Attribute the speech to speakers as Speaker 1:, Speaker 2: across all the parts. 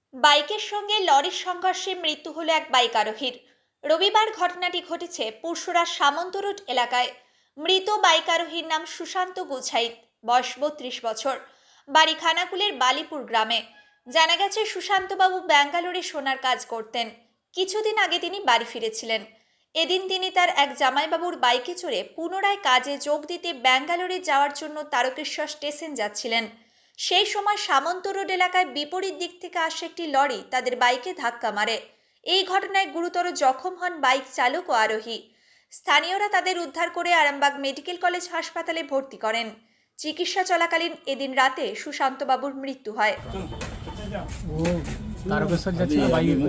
Speaker 1: বাইকের সঙ্গে লরির সংঘর্ষে মৃত্যু হলো এক বাইক আরোহীর। রবিবার ঘটনাটি ঘটেছে পুরসুরা সামন্ত রোড এলাকায়। মৃত বাইক আরোহীর নাম সুশান্ত গুছাইত, বয়স 32 বছর, বাড়ি খানাকুলের বালিপুর গ্রামে। জানা গেছে সুশান্তবাবু ব্যাঙ্গালোরে সোনার কাজ করতেন। কিছুদিন আগে তিনি বাড়ি ফিরেছিলেন। এদিন তিনি তার এক জামাইবাবুর বাইকে চড়ে পুনরায় কাজে যোগ দিতে ব্যাঙ্গালোরে যাওয়ার জন্য তারকেশ্বর স্টেশন যাচ্ছিলেন। সেই সময় সামন্ত রোড এলাকায় বিপরীত দিক থেকে আসা একটি লরি তাদের বাইকে ধাক্কা মারে। এই ঘটনায় গুরুতর জখম হন বাইক চালক ও আরোহী। স্থানীয়রা তাদের উদ্ধার করে আরামবাগ মেডিকেল কলেজ হাসপাতালে ভর্তি করেন। চিকিৎসা চলাকালীন এদিন রাতে সুশান্তবাবুর মৃত্যু হয়।
Speaker 2: ও তারকেশ্বর যাচ্ছিল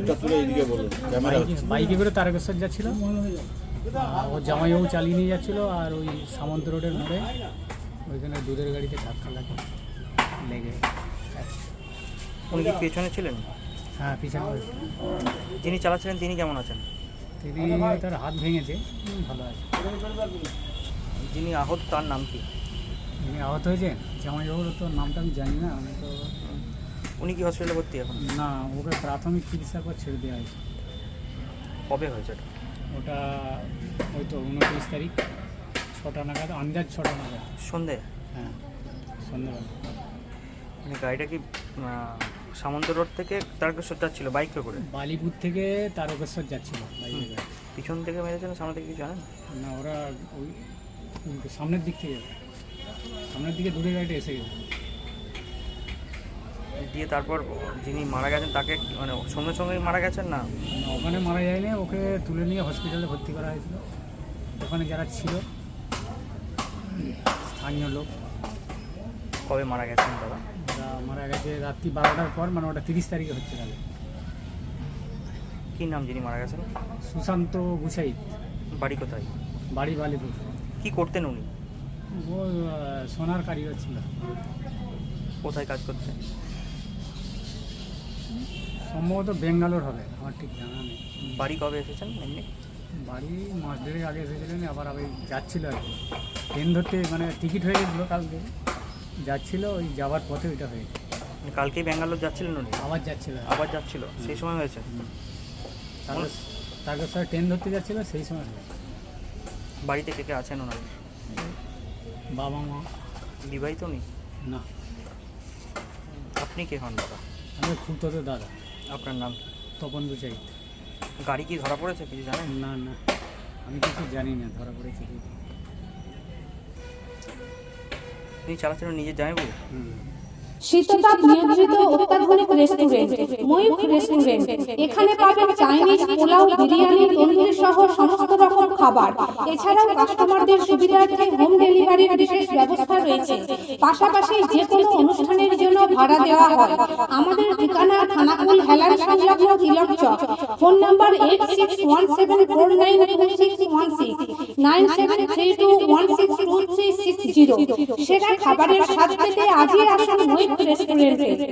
Speaker 2: বাইকে করে তারকেশ্বর যাচ্ছিল। ও জামাইবাবু চালিয়ে নিয়ে যাচ্ছিল, আর ওই সামন্ত রোডের মোড়ে ওইখানে দুধের গাড়িতে ধাক্কা লেগে।
Speaker 3: উনি কি পেছনে ছিলেন?
Speaker 2: হ্যাঁ, পিছনে।
Speaker 3: যিনি চালাচ্ছিলেন তিনি কেমন আছেন?
Speaker 2: তিনি তার হাত ভেঙেছে, ভালো আছে।
Speaker 3: যিনি আহত তার নাম কি?
Speaker 2: যিনি আহত হয়েছেন জামাইবাবুর তো নামটা আমি জানি না। আমি তো
Speaker 3: উনি কি হসপিটালে ভর্তি এখন?
Speaker 2: না, ওকে প্রাথমিক চিকিৎসার পর ছেড়ে দেওয়া হয়েছে।
Speaker 3: কবে হয়েছে এটা?
Speaker 2: ওটা ওই তো 29 তারিখ 6টা নাগাদ, আন্দাজ 6টা নাগাদ
Speaker 3: সন্ধে।
Speaker 2: হ্যাঁ, সন্ধ্যাবেলা।
Speaker 3: মানে গাড়িটা কি সামন্ত রোড থেকে তারকেশ্বর যাচ্ছিল বাইকে করে?
Speaker 2: বালিপুর থেকে তারকেশ্বর যাচ্ছিল বাইকে করে।
Speaker 3: পিছন থেকে মেরেছে না সামনে থেকে কিছু জানেন?
Speaker 2: না, ওরা ওই সামনের দিক থেকে, সামনের দিকে দূরে গাড়িটা এসে গেছে।
Speaker 3: দিয়ে তারপর যিনি মারা গেছেন তাকে মানে সঙ্গে সঙ্গেই মারা গেছেন না?
Speaker 2: ওখানে মারা যায়নি, ওকে তুলে নিয়ে হসপিটালে ভর্তি করা হয়েছিল। ওখানে যারা ছিল স্থানীয় লোক।
Speaker 3: কবে মারা গেছেন দাদা?
Speaker 2: ওরা মারা গেছে রাত্রি 12টার পর, মানে ওটা 30 তারিখে হচ্ছে। তাহলে
Speaker 3: কী নাম যিনি মারা গেছেন?
Speaker 2: সুশান্ত গুছাইত।
Speaker 3: বাড়ি কোথায়?
Speaker 2: বাড়ি বালিপুর।
Speaker 3: কি করতেন উনি?
Speaker 2: ও সোনার কারিগর ছিল।
Speaker 3: কোথায় কাজ করতেন?
Speaker 2: সম্ভবত বেঙ্গালোর হবে, আমার ঠিক জানা নেই।
Speaker 3: বাড়ি কবে এসেছেন এমনি?
Speaker 2: বাড়ি মাস দেড়েক আগে এসেছিলেন, আবার আমি যাচ্ছিল আর কি। ট্রেন ধরতে, মানে টিকিট হয়ে গেছিলো কালকে, যাচ্ছিল, ওই যাওয়ার পথে ওইটা হয়েছে।
Speaker 3: কালকেই ব্যাঙ্গালোর যাচ্ছিলেন উনি?
Speaker 2: আবার যাচ্ছিল।
Speaker 3: আবার যাচ্ছিল, সেই সময় হয়েছে?
Speaker 2: তারকেশ্বর ট্রেন ধরতে যাচ্ছিল, সেই সময় হয়েছে।
Speaker 3: বাড়িতে কে কে আছেন ওনার?
Speaker 2: বাবা মা।
Speaker 3: বিবাহিত উনি?
Speaker 2: না।
Speaker 3: আপনি কে হন দাদা?
Speaker 2: আমি খুব দাদা।
Speaker 3: আপনার নাম কি?
Speaker 2: তপন গুছাই।
Speaker 3: গাড়ি কি ধরা পড়েছে কিছু জানেন?
Speaker 2: না না, আমি কিছু জানি না ধরা পড়েছে কি।
Speaker 3: তিনি চালাচ্ছিলেন নিজে জামাইবাবু?
Speaker 4: শীততাপ নিয়ন্ত্রিত অত্যাধুনিক রেস্টুরেন্ট ময়ূখ রেস্টুরেন্ট। এখানে পাবেন চাইনিজ, পোলাও, বিরিয়ানি, তন্দুরি সহ সমস্ত রকম খাবার। এছাড়াও কাস্টমারদের সুবিধার্থে হোম ডেলিভারির বিশেষ ব্যবস্থা রয়েছে। পাশাপাশি যে কোনো অনুষ্ঠানের জন্য ভাড়া দেওয়া হয়। আমাদের ঠিকানা খানাকুল হেলান সংলগ্ন তিলক চক। Phone number 8617492616 9732162360। সেরা খাবারের স্বাদ পেতে আজই আসুন ময়ূখ রেস্টুরেন্টে।